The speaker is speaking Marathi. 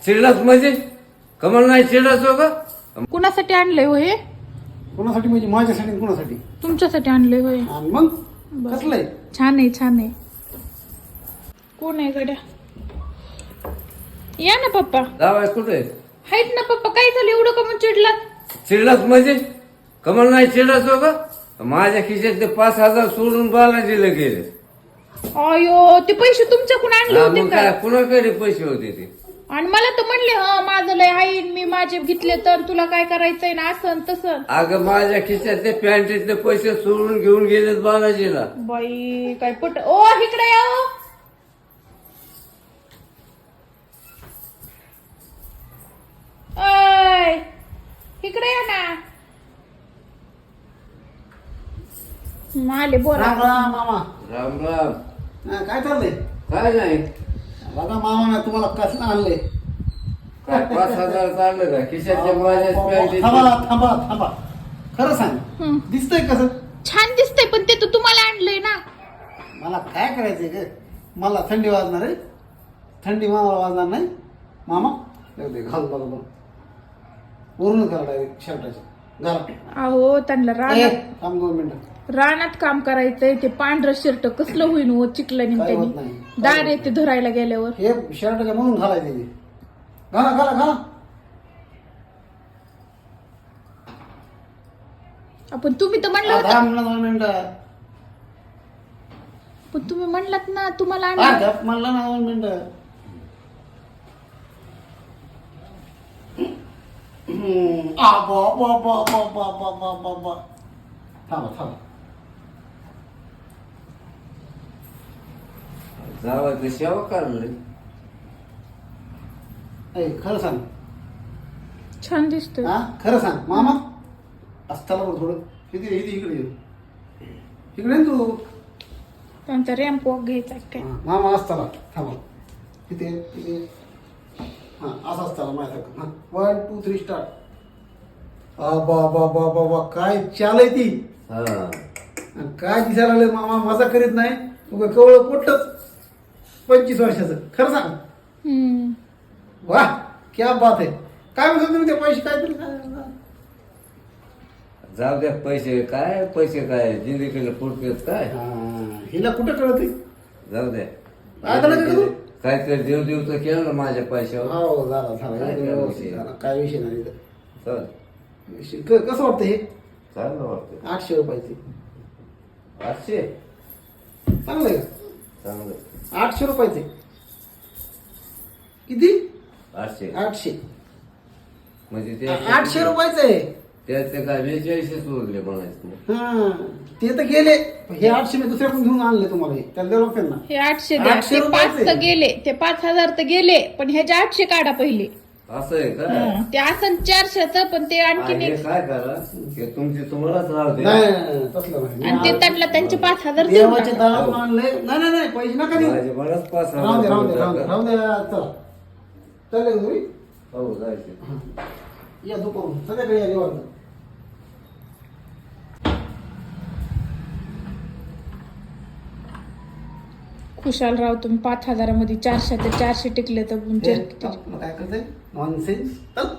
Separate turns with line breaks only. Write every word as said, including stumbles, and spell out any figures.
चिडलास म्हणजे कमल नाही चिडलास हो का?
कुणासाठी आणलंय हो हे?
कोणासाठी म्हणजे माझ्यासाठी आणि कोणासाठी?
तुमच्यासाठी आणलंय होय.
आणि मग
बरं.
कसलंय?
छान आहे छान आहे. कोण आहे गड्या? या ना पप्पा.
जावाय कुठे
आहेत ना पप्पा. काय झालं एवढं का मग चिडला?
चिडलास म्हणजे कमल नाही चिडलास हो का? माझ्या खिशात ते पाच हजार सोडून बालाजीला गेले.
अयो ते पैसे तुमच्याकडून आणले
हा,
होते
मग
का?
काय कुणाकडे पैसे होते ते?
आणि मला तर म्हणले हा माझं लय आहे मी माझे घेतले तर तुला काय करायचंय ना असं तसं.
अगं माझ्या खिशात ते पॅन्टीतले पैसे सोडून घेऊन गेलेत बालाजीला.
बाई काय पट. ओ इकडे या ओ. ओय, इकडे या ना. आले बोला.
राम राम मामा.
राम राम.
हा, काय चाललंय?
काय नाही
बघा मामा ना तुम्हाला कसलं आणलंय.
काय पाच हजार चाललं का खिशातल्या माझ्या
थांबा
पॅन्टीत?
थांबा थांबा. खरं सांग,
हं.
दिसतंय कसं?
छान दिसतंय पण ते तर तुम्हाला आणलंय ना.
मला काय करायचंय ग? मला थंडी वाजणार आहे. थंडी मामाला वाजणार नाही. मामा जाऊ दे, घाल बघा बघ. वरूनच घाल डायरेक्ट शर्टाच्या घाल.
अहो त्यांना
ए,
रानात
थांब दोन मिनिटं.
रानात काम करायचंय. ते पांढरं शर्ट कसलं होईन हो चिखलानी
काय होत
त्यांनी
नाही.
दार येते धरायला गेल्यावर.
हे शर्टाच्या म्हणून घालायचे ते. घाला घाला घाला.
आपण तुम्ही तर म्हणलं
आ,
होतं.
दहा मिनिटं दोन मिनिटं.
पण तुम्ही म्हणलात ना तुम्हाला
आ,
आणलं.
गप म्हणलं ना दोन मिनिटं. हम्म. आ, बा, बा, बा, बा, बा, बा, बा, बा, बा. थांबा थांबा.
जावायचं सेवा काढलं.
ए, खरं सांग.
छान दिसतोय.
हा खरं सांग मामा. असताना बघ थोडं. इथे इथे इकडे ये. इकडे ये ना तू.
त्यांचा रॅम्प वॉक घ्यायचा काय.
हा, मामा असताना थांबा. इथे इथे. हा असं असताना माझ्यासारखं. हा वन टू थ्री स्टार्ट. आ बा बा बा बा बा काय चाल आहे ती.
हा
आणि काय दिसायला लागले मामा. मजा करीत नाही. उगा कवळ पोटच पंचवीस वर्षाचं. खरं सांग.
हम्म.
वा क्या बात आहे. काय म्हणतो तुम्ही ते पैसे काय तरी काय-
जाऊ द्या पैसे काय पैसे काय जिंदगीला पुरतेच काय.
हा, हिला कुठं कळत
जाऊ द्या
आता नका करू.
काहीतरी देव देव तर केलं ना माझ्या पैशावर.
हो झाला झाला
काय
एकदम
काय
व्यवस्थित
विषय?
झाला. काय विषय नाही इथं.
चल
विषय- क- कसं वाटतं हे?
चांगलं वाटतं.
आठशे रुपयाचे
आठशे
चांगलं आहे का?
चांगलं.
आठशे रुपयाचे किती?
आठशे
आठशे
म्हणजे ते
आठशे रुपयाचं आहे.
त्याचे काय बेचाळीसच उरले म्हणायचं.
हा ते तर गेले. हे आठशे मी दुसऱ्याकडून घेऊन आणले तुम्हाला. हे त्याला द्यावं लागतं ना.
हे आठशे द्या.
आठशे
ते
रुपयाचे.
पाच तर गेले. ते पाच हजार तर गेले पण ह्याचे आठशे काढा पहिले.
असं आहे का?
हं. ते असं चारशेच पण ते आणखीन
हे
एक.
काय करा हे तुमचे तुम्हालाच राहू दे.
नाही नाही, नाही, तसलं नाही.
आणि ते त्यांना त्यांचे पाच हजार देऊन
देवाचे
टाका.
दारातून आणले. नाही नाही नाही पैसे नका देऊ.
माझे बरंच पाच
राहून दे राहून दे राहून दे
हजार.
राहून दे. चला चालेल तुम्ही.
हो जायचे.
या दुपारून संध्याकाळी या निवांत.
खुशाल राव तुम्ही पाच हजारामध्ये चारशे ते चारशे टिकले तर
हे,
तुमचे किती?
तुला काय करते नॉनसेन्स. चल